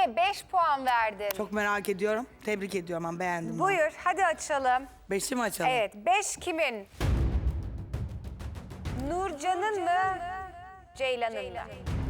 Niye 5 puan verdin? Çok merak ediyorum. Tebrik ediyorum. Ben beğendim. bunu. Buyur hadi açalım. 5'i mi açalım? Evet 5 kimin? Nurcan'ın mı? Ceylan'ın mı?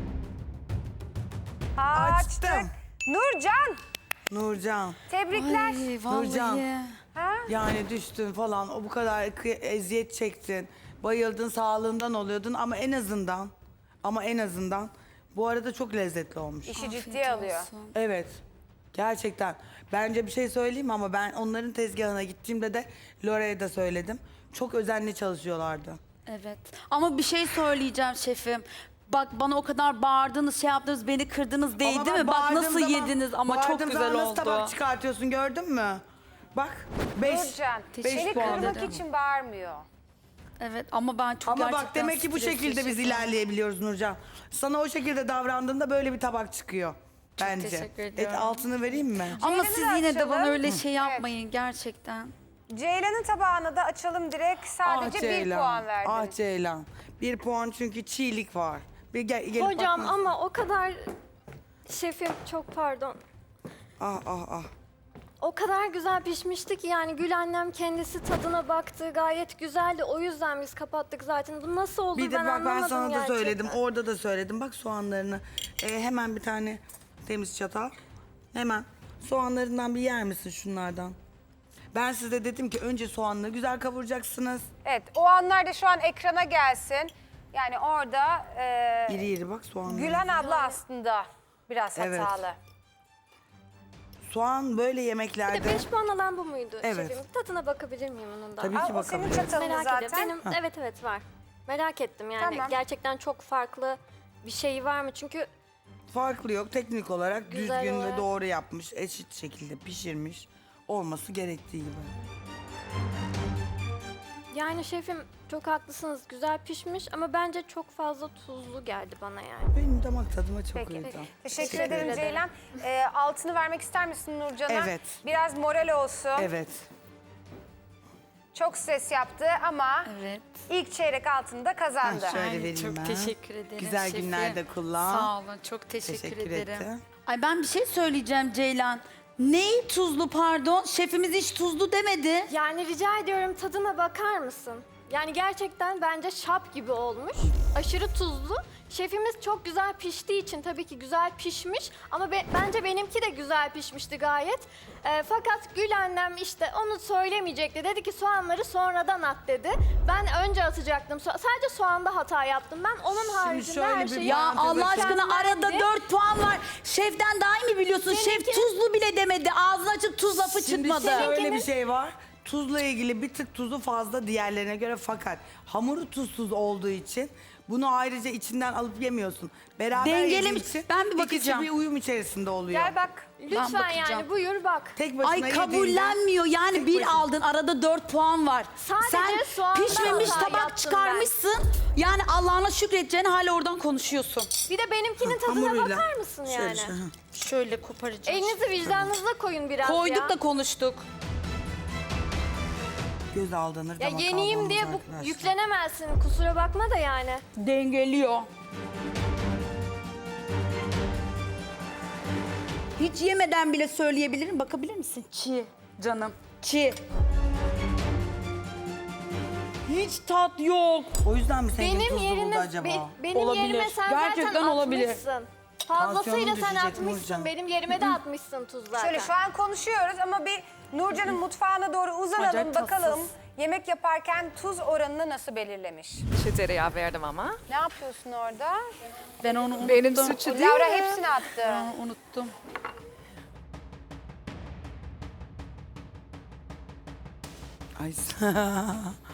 Açtık. Açtım. Nurcan Nurcan. tebrikler. Ay vallahi. Nurcan. Ha? Yani düştün falan. O bu kadar eziyet çektin. Bayıldın, sağlığından oluyordun ama en azından bu arada çok lezzetli olmuş. İşi ciddiye alıyor. Evet. Gerçekten. Bence bir şey söyleyeyim mi? Ama ben onların tezgahına gittiğimde de Lore'ye de söyledim. Çok özenli çalışıyorlardı. Evet. Ama bir şey söyleyeceğim şefim. Bak bana o kadar bağırdınız, şey yaptınız, beni kırdınız değil Ama değil mi? Bak bağırdığım nasıl zaman- yediniz ama çok bağırdığım güzel zaman oldu. nasıl tabak çıkartıyorsun gördün mü? Bak 5. Nurcan Teşekkür seni ederim. kırmak için bağırmıyor. Evet ama ben çok Ama gerçekten bak demek ki bu stresli şekilde biz şefim. ilerleyebiliyoruz Nurcan. Sana o şekilde davrandığında böyle bir tabak çıkıyor. Bence. teşekkür ediyorum. Altını vereyim mi? Ama Ceylan'ı siz da yine de bana açalım. öyle şey yapmayın gerçekten. Ceylan'ın tabağına da açalım direkt. Sadece 1 puan verdin. Ah Ceylan. 1 puan çünkü çiğlik var. Bir gelip Hocam bakmaz. ama o kadar şefim çok pardon. Ah. O kadar güzel pişmişti ki yani Gül annem kendisi tadına baktı gayet güzeldi. O yüzden biz kapattık zaten. Bu nasıl olur Bir de ben bak ben anlamadım sana da gerçekten. söyledim. Orada da söyledim. Bak soğanlarını. Hemen bir tane temiz çatal. Hemen. Soğanlarından bir yer misin şunlardan? Ben size dedim ki önce soğanları güzel kavuracaksınız. Evet o anlarda şu an ekrana gelsin. Yani orada İri iri bak soğanlar. Gülhan abla aslında biraz Evet. hatalı. Soğan böyle Bir de yemeklerde 5 puan alan bu muydu Evet. şefim? Tadına bakabilir miyim onun da? tabii Aa, ki o senin bakabiliriz. çatalın Merak zaten. ediyorum. Benim evet var. Merak ettim yani Tamam. gerçekten çok farklı bir şey var mı? Çünkü Farklı yok. Teknik olarak Güzel düzgün ve olarak. doğru yapmış. Eşit şekilde pişirmiş. Olması gerektiği gibi. yani şefim çok haklısınız. Güzel pişmiş ama bence çok fazla tuzlu geldi bana yani. Benim damak tadıma çok Peki. uydu. Teşekkür ederim Ceylan. Altını vermek ister misin Nurcan'a? Evet. Biraz moral olsun. Evet. Çok stres yaptı ama Evet. ilk çeyrek altını da kazandı. Ha, şöyle Ay, vereyim çok ben. teşekkür ederim Güzel şefim. günlerde kullan. Sağ olun çok teşekkür ederim. etti. Ay ben bir şey söyleyeceğim Ceylan. Neyi tuzlu pardon? Şefimiz hiç tuzlu demedi. Yani rica ediyorum tadına bakar mısın? Yani gerçekten bence şap gibi olmuş. Aşırı tuzlu. Şefimiz çok güzel piştiği için tabii ki güzel pişmiş. Ama bence benimki de güzel pişmişti gayet. Fakat Gül annem işte onu söylemeyecekti. Dedi ki soğanları sonradan at dedi. Ben önce atacaktım. Sadece soğanda hata yaptım. Ben onun haricinde şöyle her bir şeyi... Ya parantez Allah açayım. aşkına arada Mükemmeldi. 4 puan var. Şeften daha iyi mi biliyorsun? Şef Seninki- tuzlu bile demedi. Ağzını açıp tuz lafı Şimdi çıkmadı. şöyle bir şey var. Tuzla ilgili bir tık tuzu fazla diğerlerine göre fakat hamuru tuzsuz olduğu için bunu ayrıca içinden alıp yemiyorsun. Beraber Dengelemiş. yediğin için Ben bir ikisi bakacağım. bir uyum içerisinde oluyor. Gel bak. Lütfen bakacağım. yani buyur bak. Tek başına Ay yediğinde- kabullenmiyor. Yani Tek bir başına- aldın arada 4 puan var. Sadece Sen soğanda pişmemiş hata tabak yaptım çıkarmışsın. Yani Allah'ına şükredeceğini hala oradan konuşuyorsun. Bir de benimkinin tadına Hamuruyla. bakar mısın Şöyle yani? işte, ha. Şöyle koparacağım. Elinizi vicdanınıza koyun biraz Koyduk ya. da konuştuk. Göz aldanır. Ya damak yeniyim aldanmaz diye bu arkadaşlar. yüklenemezsin. Kusura bakma da yani. Dengeliyor. Hiç yemeden bile söyleyebilirim. Bakabilir misin? Çiğ canım. Çiğ. Hiç tat yok. O yüzden mi senin Benim tuzlu buldu yerine acaba? benim Olabilir. yerime sen Gerçekten zaten olabilir. atmışsın. Fazlasıyla Tansiyonun sen düşecek atmışsın. Nurcan. Benim yerime de atmışsın tuz zaten. Şöyle şu an konuşuyoruz ama bir Nurcan'ın mutfağına doğru uzanalım Acayip bakalım. tatsız. Yemek yaparken tuz oranını nasıl belirlemiş? Şu tereyağı verdim ama. Ne yapıyorsun orada? Ben onu unuttum. Benim suçu değil Laura mi? hepsini attı. Aa, unuttum. Ay